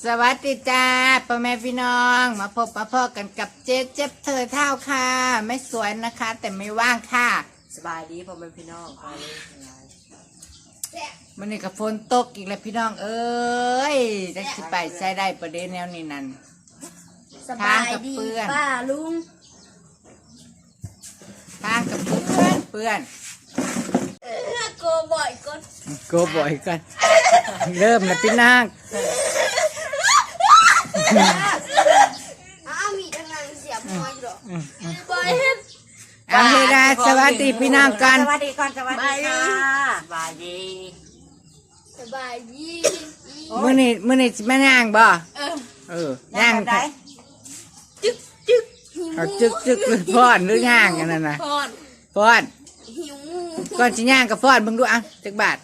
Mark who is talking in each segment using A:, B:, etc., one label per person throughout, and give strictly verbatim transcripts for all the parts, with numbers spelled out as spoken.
A: สวัสดีจ้าพ่อแม่พี่น้องมาพบมาพ่อกันกับเจ๊เจ็บเธอเท่าค่ะไม่สวยนะคะแต่ไม่ว่างค่ะ
B: สบายดีพ่อแม่พี่น้องไป
A: มันนี่กับฝนตกอีกแล้วพี่น้องเอ้ยจะสิไปใช้ได้ประเด็นแนวนี้นั่น
C: สบายดีป้าลุง
A: ทางกับเพื่อนเพื่อน
C: โกบ่อยก็
A: โกบ่อยกันเริ่มแล้วพี่นาง
C: อ้ามีกำลังเสียบมวยหรอบ่อยเฮ็ด
A: เอาเฮดาสวัสดีพี่นางกัน
B: สวัสดีก่อนสวัสดีค่ะสบายดี
C: สบายดี
A: มื้อนี้มื้อนี้สิมาย่างบ่
C: เออ
A: เออย่าง
B: แบบไหน
C: จึ๊กจึ๊กหิว
A: เอาจึกจึกหรือฟ้อนหรือย่างกันนั่นน่ะ
C: พอน
A: ฟ้อน
C: หิว
A: ก่อนสิย่างกับฟ้อนเบิ่งดูอ่ะจักบาท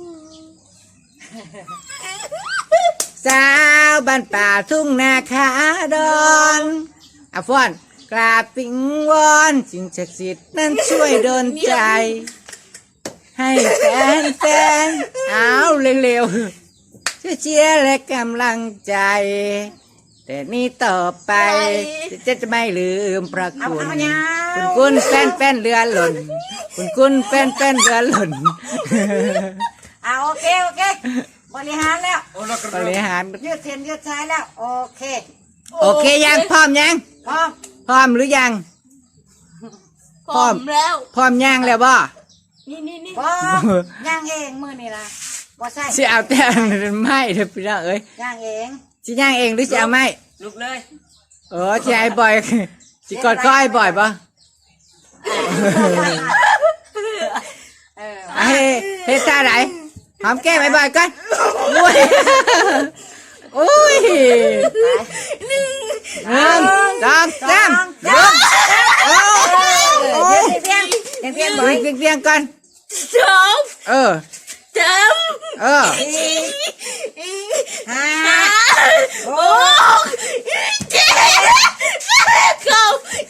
A: สาวบ้านป่าทุ่งนาคาดอนอ่ะฟ้อนกราบปิงวอนสิ่งศักดิ์สิทธิ์นั้นช่วยดลใจ ให้แฟนแฟนเอาเร็วๆช่วยเชียร์และกำลังใจ แต่นี่ต่อไปจะจะไม่ลืมพระคุณ คุณคุณแฟนแฟนเรือหล่น คุณคุณแฟนแฟนเรือหล่น
B: เอาโอเคโอเคบริหารแล้ว
A: บริหาร
B: ยืดเส้นยืดสายแล้วโอเค
A: โอเคยังพร้อมยัง
B: พร้อม
A: พร้อมหรือยัง
C: พร้อมแล้ว
A: พร้อมยังแล้วบ่
C: นี่นี่นี่
B: พร้อมย่างเองมือนี่ละบ่ใช่
A: สิเอาแต่ไม่เถอะพี่น้องเอ้ย
B: ย่างเอง
A: สิย่างเองหรือสิเอาไม่
B: ลุกเลย
A: เออสิไอ้บ่อยสิกอดข้อไอ้บ่อยป่ะ
B: เออ
A: เฮ้เฮ้ท่าไหนหอมแก้มไอ้บ่อยกันโอ้ยโอ้ยหนึ่งสองสามลงโอ้โอ้
B: เพียงเพียงเพียงเพียงบ่อย
A: เพียงเพียงก่อน
C: สอง
A: เออ
C: สาม
A: เออ
B: ห้า
C: หกเจ็ดเก้า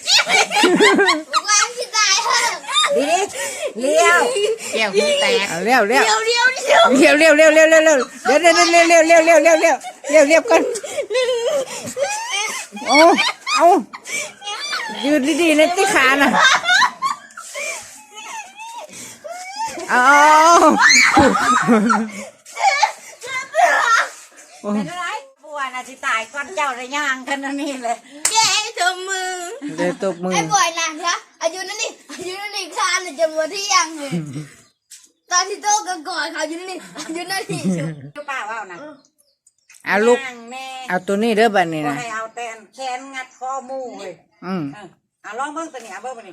C: วันที่ตายเหรอ
B: ดีเลี้ยว
A: แก้วหูแตกเร็วเร็ว
C: เดี๋ยวเดี๋ยวเดี๋ยว
A: เร็วเร็วเร็วเร็วเร็วเร็วเดี๋ยวเดี๋ยวเร็วเร็วเร็วเร็วเร็วเร็วเร็วเร็วเร็วก่อนโอ้เอายืนดีๆนะที่ขาน่ะเอา
B: เป็นอะไรปวดนะสิตายก่อนเจ้าระย่างกันนี่เลย
C: แกทำมือ
A: เดี๋ยวตบมือ
C: ไอ้บ่อยนะนะอายุนั่นนี่อายุนั่นนี่คานเลยจะมาที่ยังเลยตอนที่โตกันก่อนเขาอายุนั่นนี่อายุนั่นนี่
B: ลูกป้าว่านะ
A: เอาลูก
B: ย่างแน่
A: เอาตัวนี้เด้อบัดนี้
B: บ่
A: นะ
B: ให้เอาแตนแขนงัดคอหมูเลย
A: อืม
B: เออเอาลองเบิ่งตัวนี้เอาเบิ่งตัวนี้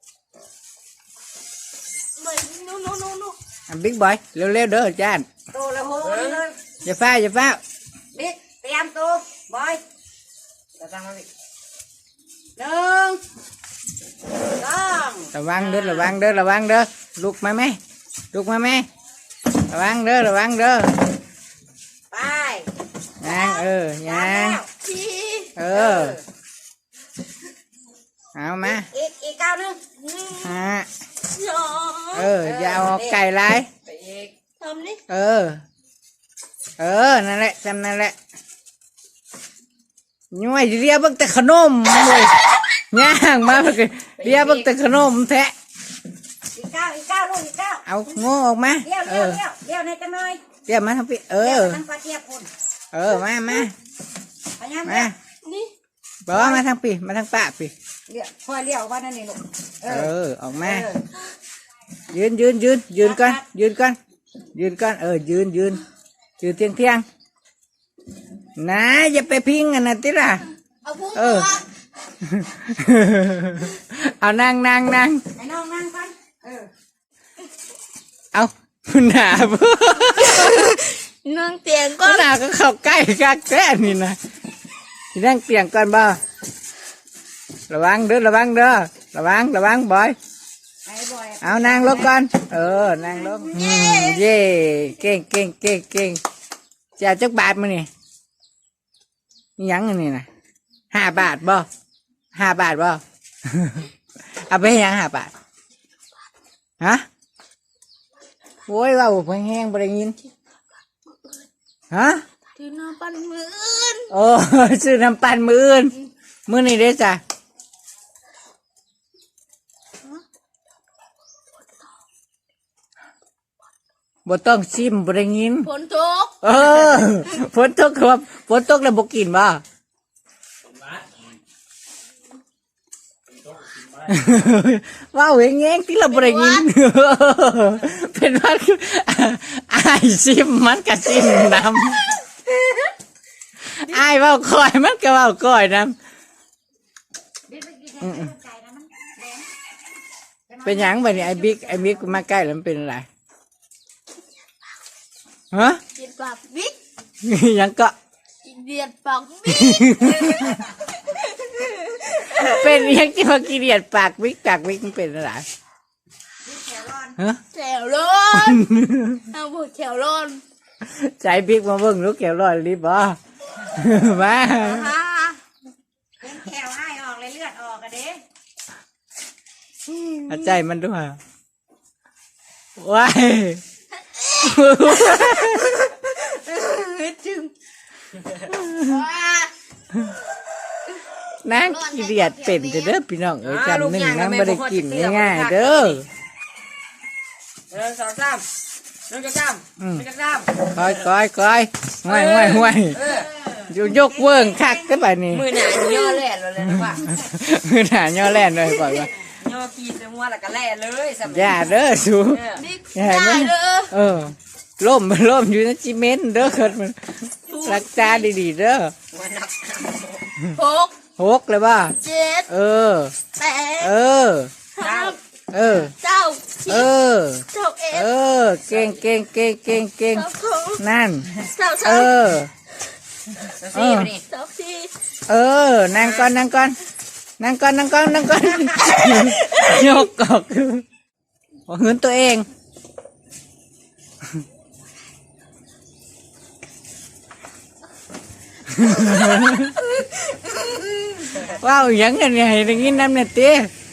C: เหมือนนู้นนู้นนู้นนู้น
A: บิ๊กบอยเร็วเร็วเด้อจาน
B: โตแล้วโหเลย
A: อย่าฟ้าอย่าฟ้า
B: บิ๊กเตรียมตัวบอยจะตั้งมาบิ๊กหนึ่งสอง
A: ระวังเด้อระวังเด้อระวังเด้อลุกมาไหมลุกมาไหมระวังเด้อระวังเด้อ
B: ไป
A: ยางเออ
B: สาม
A: ยาง
B: แล้ว
C: สี่
A: เออเอามา
B: อีกอีกเก้าหนึ่ง
A: ฮะ
C: สอง
A: เอออย่าเอาไก่ไร
B: ไปอีก
C: ทำนี่
A: เออ เออนั่นแหละจำนั่นแหละย้อยเรียกบักแต่ขนมเลยย่างมาเพื่อเรียกบักแต่ขนมแทะ
B: อีกเก้าอีกเก้าลูกอีกเก้า
A: เอาโง่ออกมา
B: เลี้ยว
A: เอ
B: เลี้ยว
A: อ
B: เลี้ยวเลี้ยวในจังเลย
A: เรียกมาทั้งปีเอ
B: เลี้ยว
A: อ
B: ทั้งปลาเทียบคุณ
A: เออมามา
B: พยายาม
A: มา
B: เลี้ยว
C: นี่
A: บอกว่ามาทั้งปีมาทั้งป้าปี
B: เลี้ยวพอเลี้ยวว่านั่นนี่ลูกเอ
A: เอ
B: อ
A: อออกมา
B: เออ
A: ยืนยืนยืนยืนก่อนยืนก่อนยืนก่อนเออยืนยืนยืนเที่ยงเที่ยงนะอย่าไปพิงกันนะติล่ะ
C: เอาพุ่ง
A: เอ
C: ก่
A: อ
C: อน
A: เอานั่งนั่งนั่ง
B: ไอ้น้องนั่งก่อนเออ
A: เอาหนาบ่
C: นั่งเตียงก่อน
A: หนาก็เข้าใกล้กักแท้นี่นะสินั่งเตียงก่อนบ่ระวังเด้อระวังเด้อระวังระวังบอย
B: ไอ้บอย
A: เอานั่งลงก่อนเออนั่งลงอืมเย่เก่งเก่งเก่งเก่งจะเอาจักบาทมานี่นี่หยังอันนี่นะห้าบาทบ่ห้าบาทบ่ เอาไปให้หยังห้าบาทฮะโว้ยว่าบุพแห้งบ่ได้ยินฮะ
C: ถือหน้าปั้นมืออื่น
A: โอ้ซื้อน้ำปั่นมืออื่นมือนี่ได้จ้ะบ่ต้องชิมบ่ได้ยิน
C: ฝนตก
A: เออฝนตกครับฝนตกแล้วบ่กินบ่ว้าวเองเองที่เราบ่ได้ยินเป็นว่าอายชิมมันก็ชิมน้ำอายเว้าคอยมันก็เว้าคอยน้ำเป็นหยังบัดนี้ไอ้บิ๊กไอ้บิ๊กมาใกล้แล้วมันเป็นอะไรฮะ
C: เดียดปากบิ๊ก
A: ยังก็
C: เดียดปากบิ๊ก
A: เป็นยังที่มากิเรียดปากวิกปากวิกมันเป็นอะไรฮะ
C: แถวร้อนเอาบุแถวร้อน
A: ใจบิ๊กมาเบิ่งลูกแก้วลอยรีบบ่มา
B: ฮ่าเป็นแขวให้ออกเลยเลือดออกอะเด้
A: เอาใจมันด้วยว้าย
C: จึงว้า
A: นางกิเรียดเป็นเด้อพี่น้องเอ้ยจำหนึ่งนางไม่ได้กินง่ายๆเด้อ
B: หนึ่งสองสามหนึ่งสองสามหนึ่งสองสาม
A: คอยคอยคอยห่วยห่วยห่วย
B: เออ
A: อยู่ยกเวิ้งคักได้ป่ะนี่
B: มือหนาย่อแล่เลยนะว่า
A: มือหนาย่อแล่นเลยก่อนว่า
B: ย่อขี้ใส่หัวแล้วก็แล่เลยสำ
A: อย่าเด้อสู
B: เออ
C: บิ๊ก
A: อย่าให้
C: ได้
A: มัน
C: เด้อ
A: เออล่มล่มอยู่ในจิเมนต์เด้อเกิดมันรักษาดีๆเด้อ
B: หัวหนัก
C: หก
A: หกเลยป่ะ
C: เจ็ด
A: เออ
C: แปด
A: เออ
C: ห้า
A: เออ
C: เก้าสิ
A: เอบ อ
C: เก้าเอ็ด
A: เออ เก่งเก่งเก่งเก่งเก่ง
C: เก้าสอง
A: นั่น
C: เก้า
A: เอ
C: สาม
A: อ
B: สี่ไปนี่
C: เก้าสี่
A: เออ นั่งก่อนนั่งก่อนนั่งก่อนนั่งก่อนนั่งก่อน ยกออกหัวเหินตัวเอง ว้าวยังไงเนี่ยให้ได้ยินน้ำเนี่ยเต้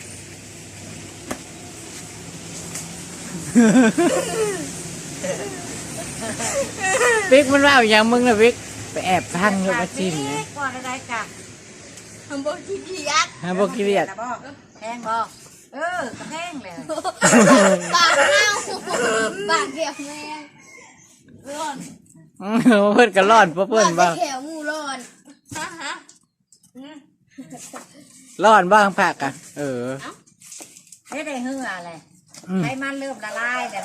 A: บิ๊กมันว่าอย่างมึงนะบิ๊กไปแอบพังอยู่มาจิ้มเนี่ย
B: ก่อนอะไรกะ
C: ทำบทที่ดียักษ์
A: ฮะบอกกิเรียด
B: แต่บอกแพงบอกเออกระแพงเลย
C: ปากเน่าปากเขียวแมงร้อน
A: อืมเพื่อนก็รอดเพราะเพื่อนบ้าง
C: ปากเขียวงูร้อนฮะฮะ
A: รอดบ้างผักอ่ะ เออ
B: ไม่ได้เหือเลย
A: อืม
B: ให้มันเริ่มละลายแต่นะ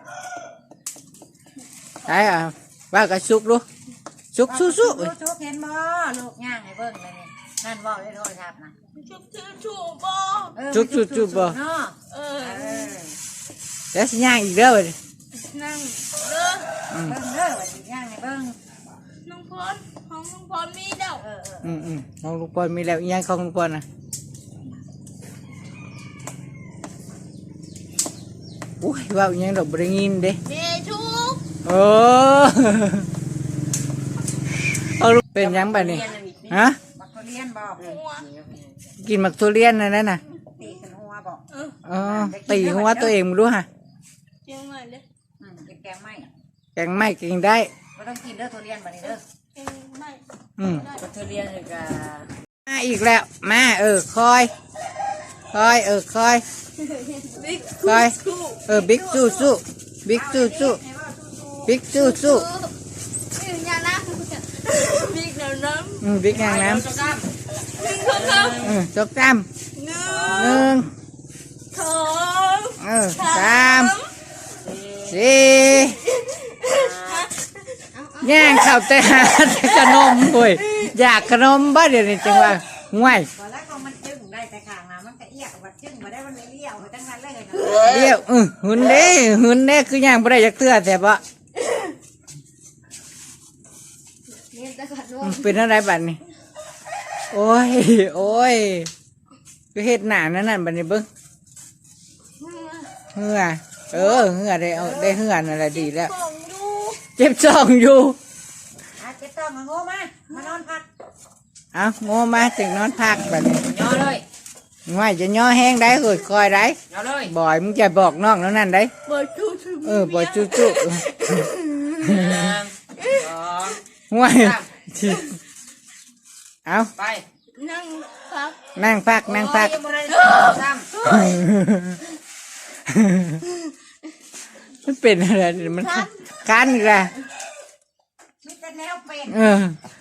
A: ใช่อ่ะว่ากระชุกดูชุกสู้สู้
B: ลูกชุกเห็นบ่ลูกย่างให้เบิ่งเลยนี่นั่นบอกได้โทรศัพท์นะ
C: ชุบชื่อชูบอ
B: เออ
A: ชุกชุกชุกบ่
B: เนาะ
C: เออ
B: เออ
A: แล้วสิย่างอีกเด้อเว้ย
C: นั่งเด้อ
A: อืม
B: เบิ่งเด้อว่าสิย่างให้เบิ่ง
C: น้องพรของน้องพรมีเด้อ
B: เออเออ
A: อืมอืมของลุงปอนมีแล้วอีกอย่างของลุงปอนนะอุ้ยว่าอีกอย่างดอกบริงินเด้
C: เดชุก
A: โอ้เอาลูกเป็นหยังแบบนี้ฮะ
B: บักทุเรียนบอก
C: หัว
A: กินหมักทุเรียนนะนั่นน่ะ
B: ตีกันหัวบอก
C: เออ
A: อ๋อตีหัวตัวเองมึงดูฮะ
C: เจียงใหม่เลย
B: อืมกินแกงไหม
A: แกงไม่กินได้
B: ก็ต้องกินเด้อทุเรียนบัดนี้เด้อ
C: เจียงใหม่
A: อืม
B: บักทุเรียนเลยกะ
A: มาอีกแล้วมาเออคอยคอยเออคอย
C: บิ๊ก
A: คอยเออบิ๊กสู้สู้บิ๊กสู้สู้บิ๊กสู้สู้
C: บิ๊กยาน้ำบิ๊กน้ำน้
A: อืมบิ๊กงางน้
B: เจ้าจ้
C: ำบิ๊กข้าวข้าว
A: ำเออจบจำ
C: หนึ่
A: หนึ่
C: ง
A: ง
C: สอง
A: เออสามสี่ย่างข้าวแต่หาแต่ขนมเว้ยอยากขนมบ้าเดี๋ยวนี้จังว่าห่วย
B: ำตอนแรกก็มันจึ้งได้แต่ข้างน้ำมันก็เอี้ยวัดจึ้งมาได้มันเลยเลี้ยวตั้งนั้นเลย
A: เดี๋ยวเออหุ่นเด้หุ่นเด้คือย่างบ่ได้อยากเตื้อแต่บ่
C: เนี่ยจะขัดน
A: อื
C: ม
A: มเป็นอะไรบัดนี้โอ้ยโอ้ยก็เฮ็ดหน้านั่นนั่นบัดนี้เบิ่งเหงื่อเออเหงื่อได้เอาได้เหงื่อนั่นแหละดีแล้ว
C: ของดู
A: เจ็บจ้องอยู่
B: อาเจ็บต้องมาโง่มามานอนพัก
A: เอาโง่มาถึงนอนพักบัดนี้
B: ย่อเลย
A: ง่ายจะย่อแห้งได้เฮ้ยคอยได้
B: ย่อเลย
A: บ่อยมึงจะบอกน้องแล้วนั่นได้
C: เปิดชูชู
A: เออบ่อยจุ๊จุ๊
B: หนึ่งสอง
A: ห่วยเอา
B: ไป
C: นั่งพัก
A: นั่งพักนั่งพัก
B: โอ้ยยังบ่ได้ซ้ำ
A: มันเป็นอะไรมันคันอีกและ
B: มีแต่แนวเป็น
A: เออ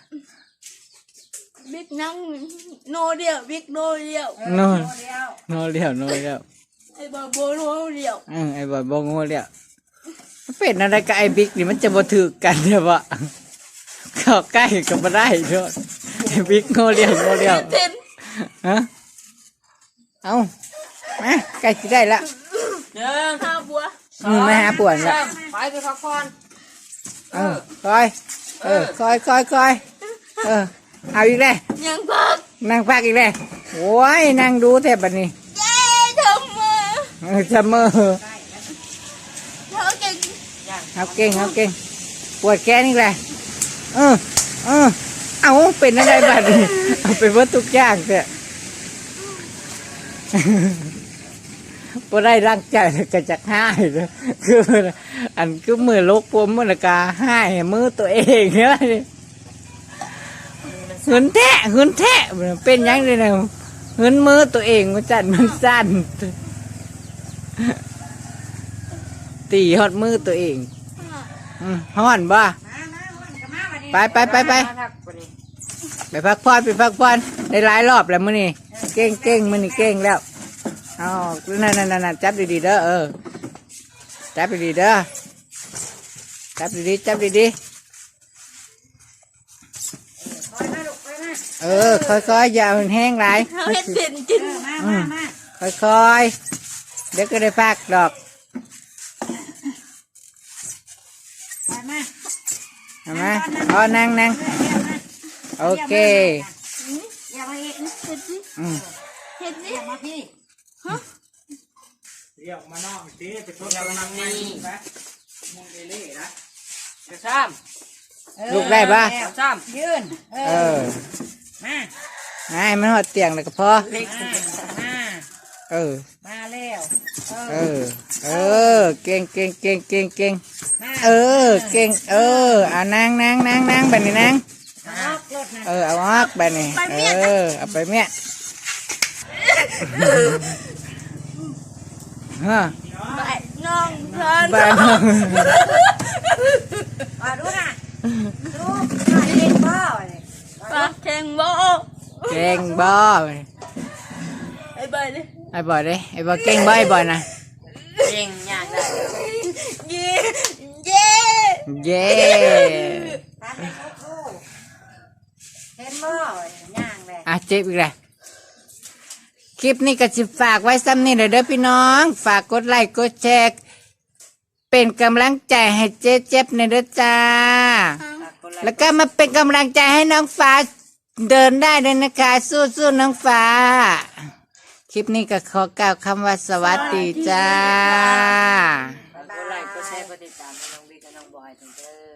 C: บิ๊กนั่งโนเดียวบิ๊กโนเดียว
A: โน่น
B: เดียว
A: โน่เลี้ยวโน่เลี้ยว
C: ไอ้บาโบโนเดียว
A: เออไอ้บอยบงโง่เลี้ยวมันเป็นอะไรกับไอ้บิ๊กนี่มันจะบ่ถือกันเนี่ยวะเข้าใกล้ก็บ่ได้ด้วยไอ้บิ๊กโง่เลี้ยวโง่เลี้ยว
C: เต้น
A: ฮะเอามาใกล้จะได้ละ
B: หนึ่ง
C: ข้าวบัว
A: อืมมาหาป่วนละ
B: สามไปไปพักผ่อน
A: เออคอยเออคอยคอยคอยเออเอาอีกแล้ว
C: ยังพัก
A: นั่งพักอีกแล้วโอ้ยนั่งดูแทบบัดนี้
C: เย้ทำมา
A: เออจะมือ
C: เธอเก่ง
A: เอาเก่งเอาเก่งปวดแขนอีกแล้วเออเออเอาเป็นอะไรบัดนี้เอาไปวัดทุกอย่างเถอะพอได้ร่างใจก็จะให้เลยคืออันคือมือลกพวมมือกาให้มือตัวเองเนี่ยหืนแท้หืนแท้เป็นยังไงเนี่ยหืนมือตัวเองมันจัดมันสั้นตีหอดมือตัวเองอืมห่อนบ่
B: มามาวันก็มาวันนี้
A: ไปไปไปไป
B: มาพักวันนี้
A: ไปพักผ่อนไปพักผ่อนได้หลายรอบแล้วมื้อนี้เก่งเก่งมื้อนี้เก่งแล้วเอานั่นนั่นนั่นจับดีๆเด้อเออจับดีๆเด้อจับดีๆจับดี
B: คอยมาลูกคอยมา
A: ๆเออค่อยๆอย่ามันแห้งหลาย
C: เขาเห็นเต้นกิน
B: เออมามามา
A: ค่อยๆเดี๋ยวก็ได้พักดอก
B: ไปมา
A: เอามาอ๋อนั่งนั่งโอเค
B: อย่ามาอีก
C: เห็นสิ
A: อืม
C: เห็นสิ
B: อย่ามาพี่
D: เรียกมานอกสิไปทด
B: อย่า
D: ลอง
B: มา
D: นั่ง
B: นี่
D: นะมุงเอเล่นะ
B: จะซ้ำ
A: ลูกได้ปะ
B: จะซ้ำยืนเอ
A: เอ
B: อ
A: อ
B: มา
A: ให้มันหอดเตียงแล้วก็พอ
B: เล็กมา
A: เออ
B: มาแล้วเอ
A: เอ
B: อ
A: อ เออ เก่งเก่งเก่งเก่งเก่ง
B: มา
A: เออ เก่ง เออเอานั่งนั่งนั่งนั่งแบบนี้นั่ง
B: ออกรถนะ
A: เออ เอาออกแบบนี้เออ เอาไปเมียฮะ
C: ไปน้องเพลิน
A: บ้าน
B: มาดูนะดูมาเองบ่เนี่ย
C: ปากแข็งบ่
A: เก่งบ่
C: ไอ้ใบเลย
A: ไอ้บ่อยเด้ไอ้บ่อยเก่งบ่ไอ้บ่อยนะ
B: เองยากได้
C: เย้เย้
A: เย้
B: ตามไปเขาคู่เห็นบ่ย่างเลย
A: อ่ะเจ็บอีกแล้วคลิปนี้ก็จะฝากไว้ซ้ำนี่เลยเด้อพี่น้อง ฝากกดไลค์กดแชร์เป็นกำลังใจให้เจ๊เจ็บในอยเด้อจ้า แล้วก็มาเป็นกำลังใจให้น้องฟ้าเดินได้เลยนะคะ สู้ๆน้องฟ้า คลิปนี้ก็ขอกล่าวคำว่าสวัสดีจ้า
B: กดไลค์กดแชร์กดติดตามให้น้องบิ๊กกับน้องบอยถึงเด้อ